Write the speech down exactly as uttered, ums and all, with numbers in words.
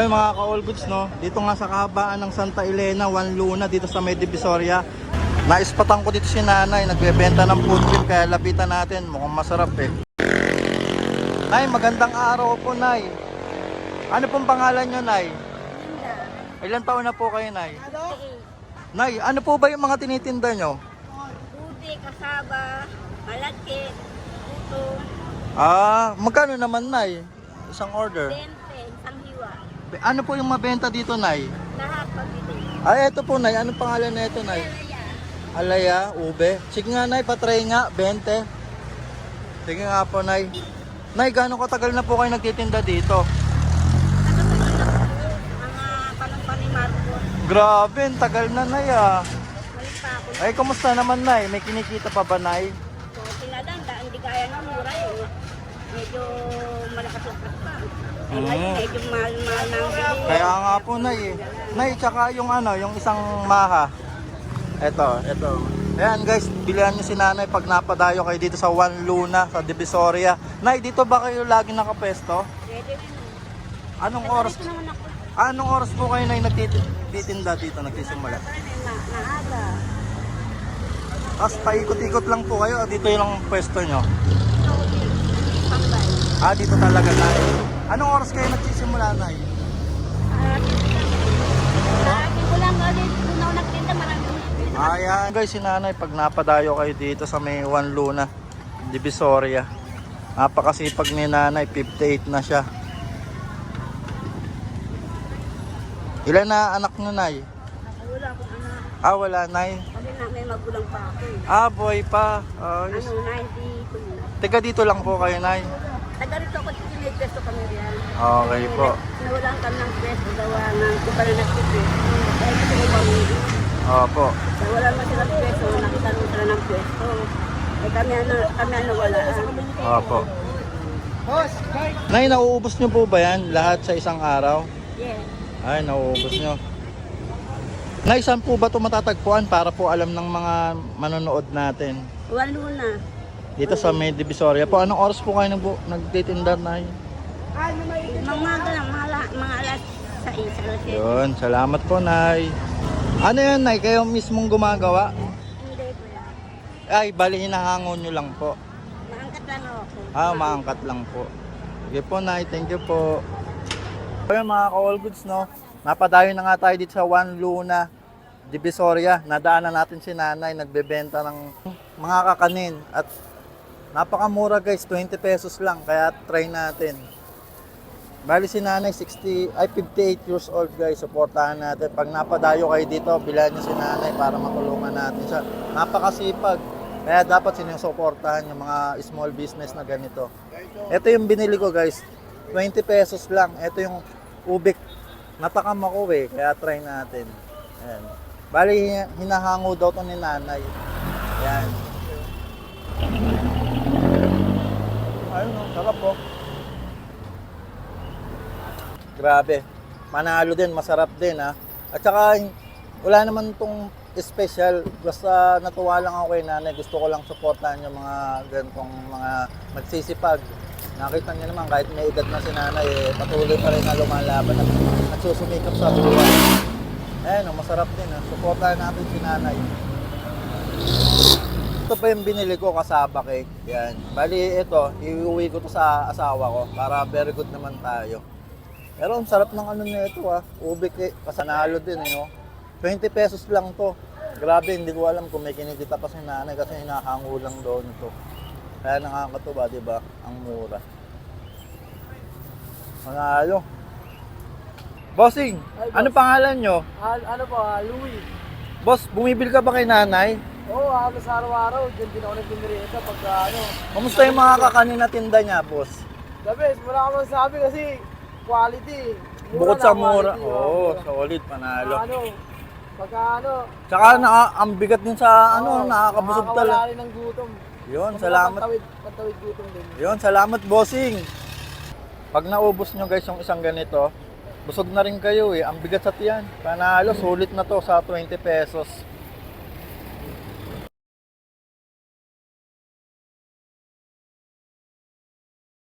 Ayun mga ka-all goods, no? Dito nga sa kahabaan ng Santa Elena, Juan Luna, dito sa May Divisoria. Naispatan ko dito si nanay, nagbebenta ng food trip, kaya lapitan natin. Mukhang masarap eh. Nay, magandang araw po, Nay. Ano pong pangalan nyo, Nay? Ilan taon na po kayo, Nay? Nay, ano po ba yung mga tinitinda nyo? Puti, kasaba, malagkit, puto, Ah, magkano naman, Nay? Isang order. dente, isang hiwa. Ano po yung mabenta dito, Nay? Lahat pabili. Ay, eto po, Nay. Anong pangalan na ito, Nay? Alaya, ube. Sige nga, Nay, patry nga, twenty. Sige nga po, Nay. Nay, gaano katagal na po kayo nagtitinda dito? Ano ba yun ako? Mga panumpa ni Marcos. Grabe, ang tagal na, Nay, ah. Balik pa ako. Ay, kumusta naman, Nay? May kinikita pa ba, Nay? So, tinadanda, hindi kaya ng mura yun. Medyo malakas ang pa. Ay, Mm. ngayon, medyo mahal-mahal na ang bili. Kaya nga po, Nay, eh. Nay, tsaka yung ano, yung isang maha. Eto, eto. Ayan guys, bilihan nyo si nanay pag napadayo kayo dito sa Juan Luna, sa Divisoria. Nay, dito ba kayo lagi nakapwesto? Pwede rin. Anong oras, Ito naman ako. anong oras po kayo, Nay, nagtitinda dito, nagsisimula? Na, naaga. Tapos paikot-ikot lang po kayo, dito yung lang pwesto nyo. Pambay. Ah, dito talaga, Nay. Anong oras kayo nagsisimula, Nay? Lagi ko lang ulit. Kung na nagtinda, marami. Ayan guys, si nanay, pag napadayo kayo dito sa may Juan Luna, Divisoria, napakasipag ni nanay, fifty-eight na siya. Ilan na anak nyo, Nay? Wala akong anak. Ah, wala, Nay. Kasi na may magulang pa ako. eh. Ah, boy pa. Ayos. Ano, ninety-two. Taga dito lang po kayo, Nay. Taga rito ako, may pwesto kami riyan. Okay po. Nawalan kami ng pwesto, gawa ng kung pala nagpipwesto. Kaya gusto ko mamili. Opo. Nawalan mo sila pwesto, nakita mo sila ng pwesto. Eh kami ano, kami ano wala. Opo. Nay, nauubos nyo po ba yan? Lahat sa isang araw? Yes. Ay, nauubos nyo. Nay, saan po ba ito matatagpuan para po alam ng mga manonood natin? Walo na. Dito sa May Divisoria po. Anong oras po kayo nag nagtitinda, Nay? Mga mga lang, mga, la- mga alas sa isa. Alas yun. Yun, salamat po, Nay. Ano yan, Nay? Kayo mismong gumagawa? Hindi po yan. Ay, bali hinahangon nyo lang po. Maangkat lang ako. Ah, maangkat lang po. Sige po, Nay. Thank you po. Ayun mga ka-all goods, no? Napadayo na nga tayo dito sa Juan Luna, Divisoria. Nadaanan natin si nanay, nagbebenta ng mga kakanin. At napakamura guys, twenty pesos lang. Kaya try natin. Bali si nanay, sixty, ay fifty-eight years old guys. Supportahan natin. Pag napadayo kayo dito, bilhan nyo si nanay para matulungan natin siya. Napakasipag. Kaya dapat sinusuportahan yung mga small business na ganito. Ito yung binili ko guys. twenty pesos lang. Ito yung ubik. Natakam ako eh. Kaya try natin. Ayan. Bali, hinahango daw to ni nanay. Ayan. Ayun o, sarap po. Grabe. Manalo din, masarap din ha. At saka, wala naman tong special. Basta natuwa lang ako kay nanay. Gusto ko lang supportahan yung mga ganitong mga magsisipag. Nakita niyo naman, kahit may edad na si nanay, eh, patuloy pa rin na lumalaban at nagsusumikap sa buhay. Ayan, masarap din. Ha? Supportahan natin si nanay. Ito pa yung binili ko, kasaba cake. Yan. Bali, ito, iuwi ko to sa asawa ko para very good naman tayo. Pero ang sarap ng ano nito ha. Ube cake, kasanalo din. Eh, no? twenty pesos lang to. Grabe, hindi ko alam kung may kinikita pa si nanay kasi hinahango lang doon ito. Kaya nakakatuwa, di ba? Ang mura. Manalo. Bossing, Ay, boss. ano pangalan nyo? Ah, ano po, ah, Louie. Boss, bumibili ka ba kay nanay? Oo, oh, halos araw-araw, dyan din ako nagpinirita pagka ano. Kamusta yung mga kakanin na tinda niya, boss? The best, wala ka masasabi kasi quality. Mura Bukod na sa mura. quality, Oo, oh, oh, mura. solid, panalo. Ano, pagka ano. Tsaka na, ang bigat din sa ano, oo, nakakabusog nakakawala talaga. rin ng gutom. Yun, Kumbaga, salamat. Pantawid, pantawid gutom din. Yun, salamat, bossing. Pag naubos nyo guys yung isang ganito, busog na rin kayo eh. Ang bigat sa tiyan. Panalo, sulit na to sa twenty pesos.